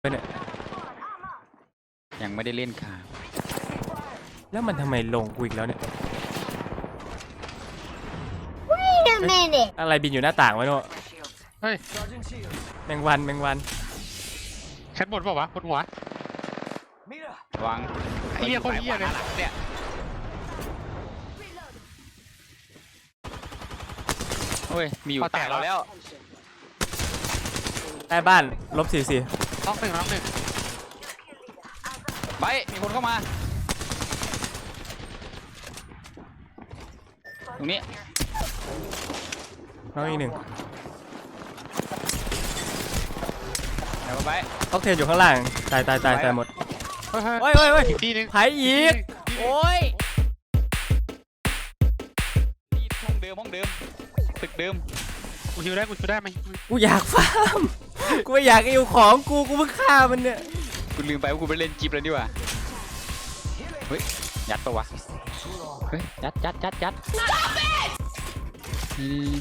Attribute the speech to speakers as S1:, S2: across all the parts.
S1: เนี่ย
S2: ยังไม่ได้เล่นค่ะ
S1: แล้วมันทำไมลงกูอีกแล้วเนี่ย
S3: Wait a minute
S1: อะไรบินอยู่หน้าต่างวะโน่
S4: เฮ้ย
S1: แมงวันแมงวัน
S4: ชั้นบนเปล่าวะบนหัว
S2: ระวัง
S4: ไอ้เหี้ยโคตรเหี้ยเลย
S2: เนี่ยเฮ้ยมีอยู่
S4: พอแต
S2: แต
S4: ก
S2: กเราแล้ว
S1: ใต้บ้าน-44
S4: น็อกหนึ่ง
S2: ไปมีคนเข้ามาตรงนี้
S1: น้องอีกหนึ่ง
S2: เดี๋ยวไป
S1: ออกเทนอยู่ข้างล่างตายหมด
S4: เฮ้ย
S1: เฮ้ย
S4: อีกทีนึง
S1: ไผอีกโอ้ย
S2: ที่ห้องเดิมตึกเดิม
S4: กูฮิวได้ไหม
S1: กูอยากฟาร์มกูไม่อยากอิวของกูเพิ่งฆ่ามันเนี่ย
S2: กูลืมไปว่ากูไปเล่นจิ๊บแล้วนี่หว่าเฮ้ยยัดปะวะเฮ้ยยัดนี่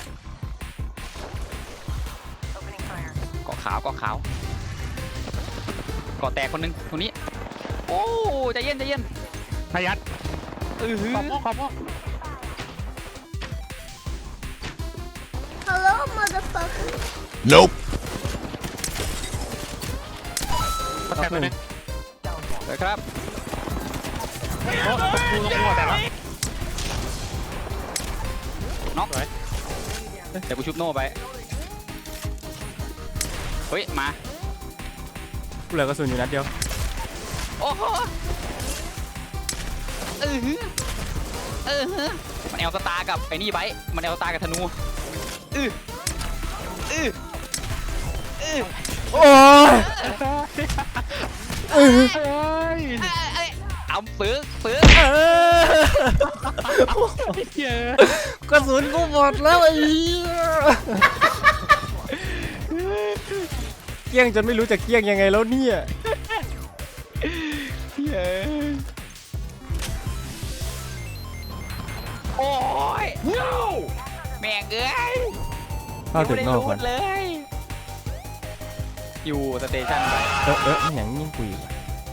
S2: เกาะขาวเกาะแตกคนนึงตรงนี้โอ้ใจเย็น
S4: พยัด
S2: หือ
S4: ขอบม่วง
S3: Hello motherfucker
S5: Nope.
S4: พอแตกตัวนึง
S2: เลยครับ
S4: โอ้กูลงหัวแตกแล้ว
S2: น็อกเดี๋ยวกูชุบโน่ไปเฮ้ยมา
S1: กูเหลือกระสุนอยู่นัดเดียว
S2: โอ้โหมันแอลสตาร์กับไอ้นี่ไบมันแอลสตาร์กับธนู
S1: โอ้ย
S4: เฮ้ย
S2: เอาฟื้น
S1: เออ
S4: เหี้ย
S1: กระสุนกูหมดแล้วไอ้เหี้ยเกี้ยงจนไม่รู้จะเกี้ยงยังไงแล้วเนี่ย
S2: โอ้ยแม่งเอ้ย
S1: เข้าถึงนอกก่อน
S2: เลยอยู่สเตชันไป
S1: มันอย่างยิ่งกุยว่ะ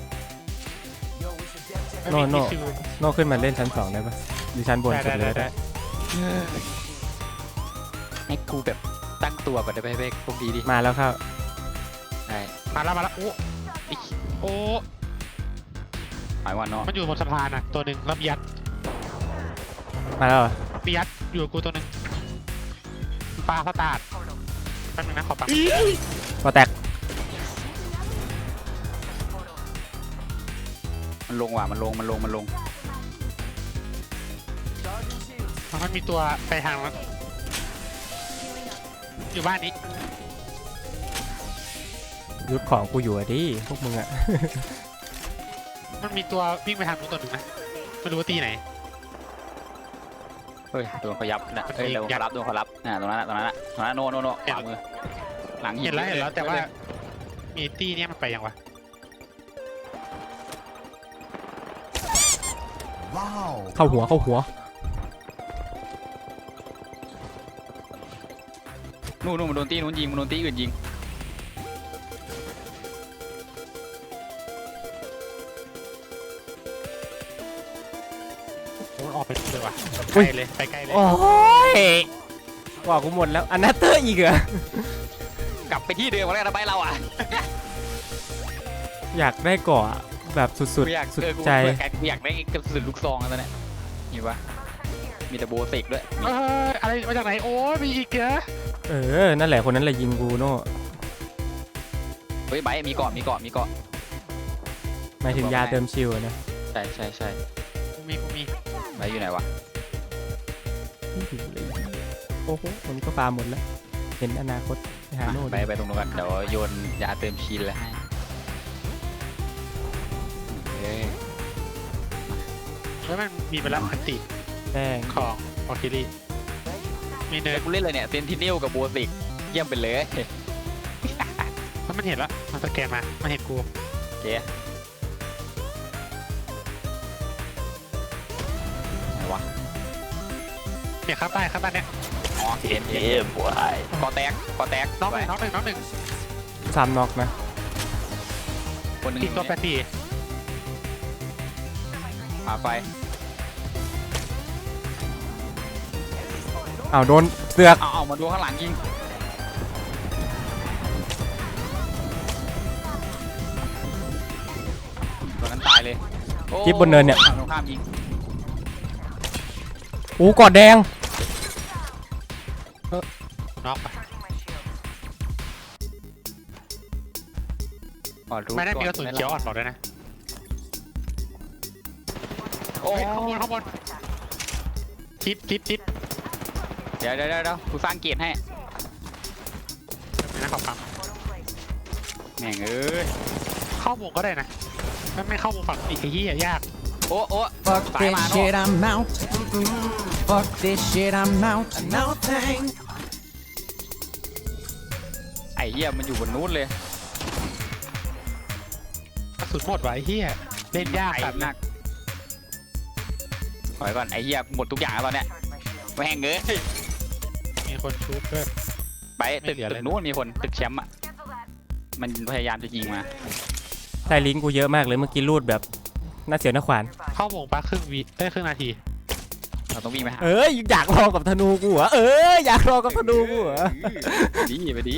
S1: โน่นอกขึ้นมาเล่นชั้น2ได้ปะหรือชั้นบนสุดเลย
S4: ได้
S2: ให้กูแบบตั้งตัวก่อนได้ไหมเบ๊กพวกดีดิ
S1: มาแล้วครับ
S2: ใช่
S4: มาแล้วโอ้
S2: หมายว่าเนาะ
S4: มันอยู่บนสะพานอ่ะตัวหนึ่งแล้วมียัด
S1: มาแล้วเหรอ
S4: อยู่กับกูตัวหนึ่งปลาสตาร์ทแป๊บนึงนะขอปัง
S1: พอแตก
S2: มันลงว่ะมันลง
S4: มันมีตัวไปทางแล้วอยู่บ้านนี้
S1: ยุดของกูอยู่อะดิพวกมึงอะ
S4: มันมีตัววิ่งไปทางนู้นตัวหนึ่งนะไม่รู้ว่าตีไหน
S2: เฮ้ยโดนเขายับนะเฮ้ยโดนเขารับตรงนั้นโน่ขวามือหลังหิน
S4: เห็นแล้วแต่ว่ามีตีเนี่ยมันไปยังวะ
S5: Wow.
S1: เข้าหัว
S2: นู่นมันโดนตีนู้นยิงมันโดนตีอื่นยิง
S4: โอ้ออกไปนู่นเลยว่ะไปไกลเลย
S1: โอ้ยว่ากูหมดแล้วอันนัตเตอร์อีกเหรอก
S2: ลับไปที่เดิมมาแล้วนะไปเราอ่ะ
S1: อยากได้เกาะแบบสุด
S2: กูอยาก
S1: สุด
S2: กู
S1: ใจ
S2: กูอยากได้กระสุนลูกซองตอนนี้เห็นปะมีแต่โบสิกด้วย
S4: อะไรมาจากไหนโอ้มีอีกเหรอ
S1: นั่นแหละคนนั้นแหละยิงกูโน่
S2: เฮ้ยไบมีเกาะ
S1: หมายถึงยาเติมชิวอะนะ
S2: ใช่
S4: กูมี
S2: ไบอยู่ไหนวะ
S1: โอ้โหผมก็ฟาร์มหมดแล้วเห็นอนาคตไปหาโน่
S2: ไปตรงนู้นกันเดี๋ยวโยนยาเติมชีนแล้วให้เฮ้ย
S4: แล้วมันมีไปแล้วอันติ
S1: แป้ง
S4: ของออคิลี่มีเนิร์ด
S2: กูเล่นเลยเนี่ยเซนติเนลกับโบสิกเยี่ยมไปเลย
S4: มันเห็นแล้วมันสแกนมามันเห็นกู
S2: โอเคไหนวะ
S4: เนี่ยครับใต้เนี่ย
S2: อ๋อเห็นกอแตก
S4: น้องหนึ่ง
S1: ซ้ำน็อกนะ
S2: คนหนึ่ง
S4: ติดตัวแปดสี่
S2: หาไฟ
S1: อ้าวโดนเสือก
S2: เอามาดูข้างหลังยิงตัวนั้นตายเลยโอ้
S1: จิ๊บบนเนินเนี่ย
S2: ฝั่งตรงข้ามยิง
S1: อู้กอดแดง
S4: น็อกไป
S2: อ๋อรู้
S4: ไม่ได้มีกระ
S2: ก่
S4: สุ
S2: อน
S4: เขียวอ่อนบอกด้วยนะ
S2: โอ้
S4: เฮ้ยข้างบนชิด
S2: เดี๋ยวกูสร้างเกียรติให้
S4: มีนะขอบปั๊ม
S2: แม่งเอ้ย
S4: เข้าวงก็ได้นะไม่เข้าวงฝั่งอีกไอ้เหี้ยยาก
S2: โอ้
S5: Fuck
S2: สายมา
S5: this
S2: โน่
S5: shit, I'm out. Fuck this shit, I'm out. No thanks.
S2: ไอ้เหี้ยมันอยู่บนนู้นเลย
S4: กระสุนหมดว่ะไอ้เหี้ยเล่นยาก
S2: ไอ้
S4: สัตว์
S2: นักถอยก่อนไอ้เหี้ยหมดทุกอย่างแล้วตอนเนี้ยแม่งเอ้ย
S4: มีคนชุบด้วย
S2: ไป
S4: ไม่
S2: ตึก
S4: เหลือเลย
S2: นู้นมีคนตึกแชมป์อ่ะมันพยายามจะยิงมา
S1: ใช่ลิงก์กูเยอะมากเลยเมื่อกี้รูดแบบน่าเสียวน่าขวาน
S4: เข้าวงปะครึ่งนาที
S2: เราต้องวิ่งไปหา
S1: เอ้ยอยากลองกับธนูกูเหรออยากลองกับธนูกูเหรอ
S2: ไปดี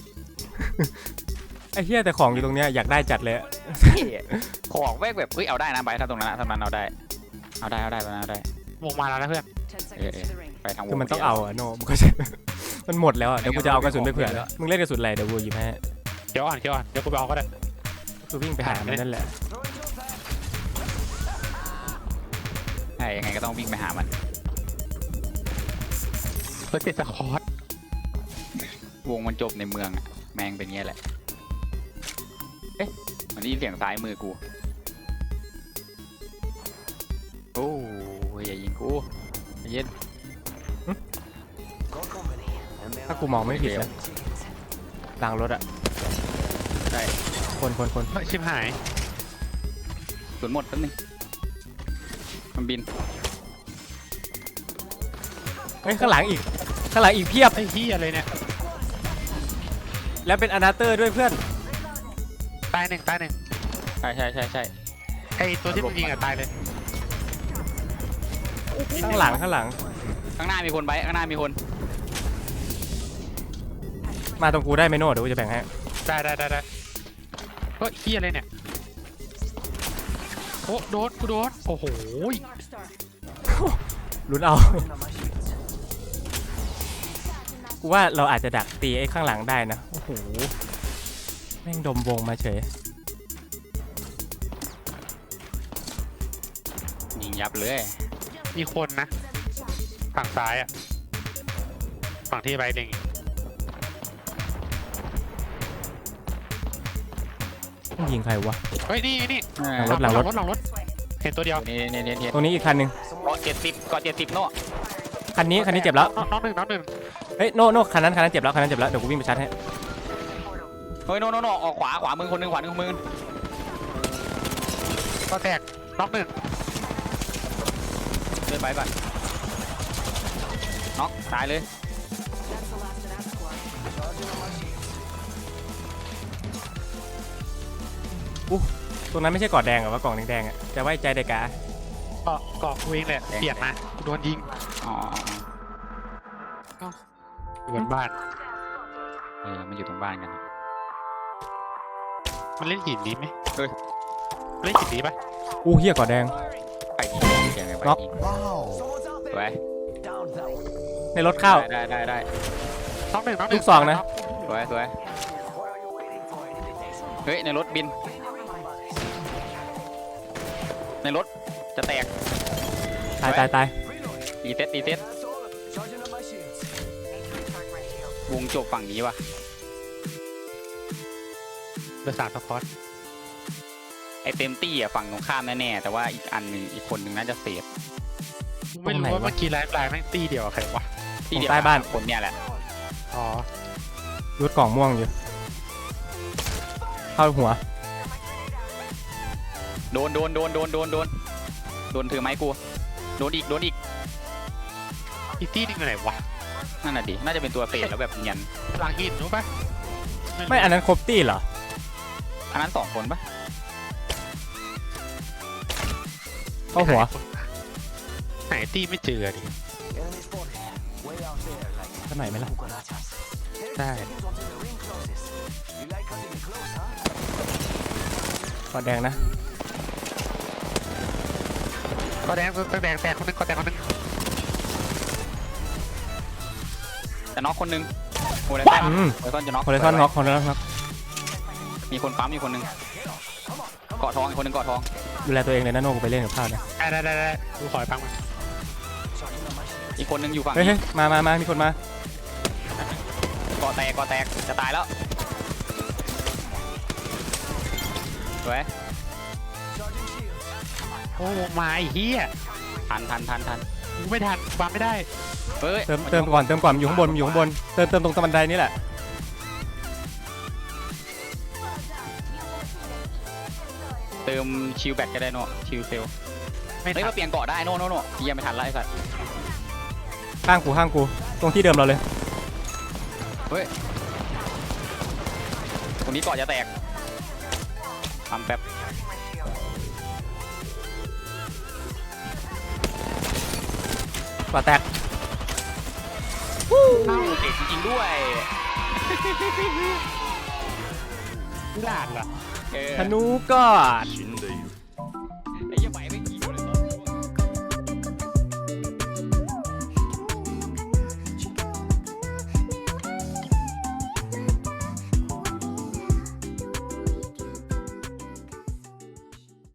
S1: ไอ้เหี้ยแต่ของอยู่ตรงเนี้ยอยากได้จัดเลยอะ
S2: ของแวกแบบเอ้ยเอาได้นะไปถ้าตรงนั้นถ้ามันเอาได้ตรงนั้นเอาได้
S4: วงมาแล้วนะเพื่อน
S2: ไปทางว
S1: คือมันต้องเอาอะโนมันก็จะ มันหมดแล้วอะเดี๋ยวกูจะเอากระสุนไปเผื่อแล้วมึงเล่นกระสุนอะไรเดี๋ยวกูหยิบให้
S4: เดี๋ยวอ่อนเดี๋ยวกูไปเอาก็ได้
S1: คือวิ่งไปหามันนั่นแหละ
S2: ใช่ยังไงก็ต้องวิ่งไปหามัน
S4: เพื่อติดสคอร์ต
S2: วงมันจบในเมืองอะแม่งเป็นเงี้ยแหละเอ๊ะมันได้ยินเสียงซ้ายมือกูโอ้ยอย่ายิงกูใจเย็น
S1: ถ้ากูมองไม่ผิดนะหลังรถอะ
S2: ได้
S1: คน
S4: เฮ้ยชิบหาย
S2: ส่วนหมดแป๊บนึงมันบิน
S1: เฮ้ยข้างหลังอีกเพียบ
S4: ไอ้เหี้ยอะไรเนี่ย
S1: แล้วเป็นอนาเตอร์ด้วยเพื่อน
S4: ตายหนึ่ง
S2: ใช่
S4: ไอ้ตัวที่มึงยิงอะตายเลย
S1: ข้างหลัง
S2: ข้างหน้ามีคนไปข้างหน้ามีคน
S1: มาตรงกูได้ไหมโน่เดี๋ยวกูจะแบ่งให้
S4: ได้เฮ้ยเหี้ยอะไรเนี่ยโอ้โดนกูโดนโอ้โห
S1: ลุ้นเอา กูว่าเราอาจจะดักตีไอ้ข้างหลังได้นะโอ้โหแม่งดมวงมาเฉย
S2: ยิงยับเลย
S4: มีคนนะฝั่งซ้ายอะฝั่งที่ใบเด้ง
S1: ต้องยิงใครวะ
S4: เฮ้ยนี่
S1: หลังรถ
S4: หลังรถเห็นตัวเดียว
S2: นี่
S1: ตรงนี้อีกคันหนึ่ง
S2: เกาะ70โน่
S1: คันนี้เจ็บแล้ว
S4: น้องหนึ่ง
S1: เฮ้ยโน่คันนั้นเจ็บแล้วเดี๋ยวกูวิ่งไปชาร์จให้
S2: เฮ้ยโน่ออกขวามือคนหนึงขวามือ
S4: ก็แตกน้องหนึ่ง
S2: เดินไปก่อนน็อกตายเลย
S1: ตรงนั้นไม่ใช่กอดแดงเหรอวะกล่องแดงๆอ่ะจะไว้ใจเด็กกะ
S4: เกาะกูเองแหละเปียกนะกูโดนยิง
S2: อ๋อ
S4: อยู่บนบ้าน
S2: มันอยู่ตรงบ้านกัน
S4: มันเล่นหินนี้ไหม
S2: เฮ้ย
S4: เล่นหินนี้ปะ
S1: อู้เหี้ยกอดแดง
S2: ไปยิงเสียงไงไป
S1: น็อก
S2: ยิงไป
S1: ในรถเข้า
S2: ได้
S4: น้องหนึ่ง
S1: ลูกสองนะ
S2: สวยเฮ้ยในรถบินในรถจะแตก
S1: ตาย
S2: ดีเซ็ตวงจบฝั่งนี้วะ
S4: เบอร์สามสปอร์ต
S2: ไอเต็มตี้อ่ะฝั่งตรงข้ามแน่ๆแต่ว่าอีกอันหนึ่งอีกคนหนึ่งน่าจะเสีย
S4: ไม่รู้ว่าเมื่อกี้ไลฟ์แม่งตีเดียวกับใครวะ
S2: ที่เดียว
S1: ใต้บ้าน
S2: คนเนี่ยแหละ
S4: อ๋อ
S1: รถกล่องม่วงอยู่เข้าหัว
S2: โดนถือไม้กูโดนอีก
S4: อีตี้นึงอยู่ไหนวะ
S2: นั่นน่ะดิน่าจะเป็นตัวเศษแล้วแบบเนียน
S4: หลังหินรู้ปะ
S1: ไม่อันนั้นครบตี้เหรอ
S2: อันนั้น2 คนปะ
S1: เข้าหัว
S4: ไหนตี้ไม่เจอดิ
S1: สักหน่อยไหมล่ะ
S4: ได้
S1: กอดแดงนะ
S4: ก็แดงแตกคนนึงก็แตกคนนึง
S2: จะน็อกคนหนึงโฮไลซอน
S1: อืม
S2: โฮไลซอนจะน็อก
S1: คอเลซอนน็อกคอเลซอนน็อก
S2: มีคนปั๊มมีคนหนึงเกาะทองอีกคนหนึงเกาะทอง
S1: ดูแลตัวเองเลยนะโน่กูไปเล่นกับข้าวเนี่ย
S4: ได้ดูขอปังมัน
S2: อีกคนหนึงอยู่ฝั่ง
S1: เฮ้ย
S2: นี้
S1: มามีคนมา
S2: เกาะแตกจะตายแล้วสวย
S4: โอ้มาไอ้เหี้ย
S2: ทัน
S4: กูไม่ทันวางไม่ได้
S2: เฮ้ย
S1: เติมก่อนอยู่ข้างบนเติมตรงบันไดนี่แหละ
S2: เติมชิลแบตก็ได้โน่ชิลเซล
S4: ไม่
S2: เฮ้ย
S4: ทั
S2: มาน เปลี่ยนเกาะได้โน่เยี่ยมไม่ทันแล้วไอ้สัตว์
S1: ข้างกูตรงที่เดิมเราเลย
S2: เฮ้ยตรงนี้เกาะจะแตกทำแป๊บ
S1: กอดแตก
S2: เอ้าเด็กจริงๆด้วย
S4: ไม่หลาดเหรอ
S2: เออ
S1: ธนูกอด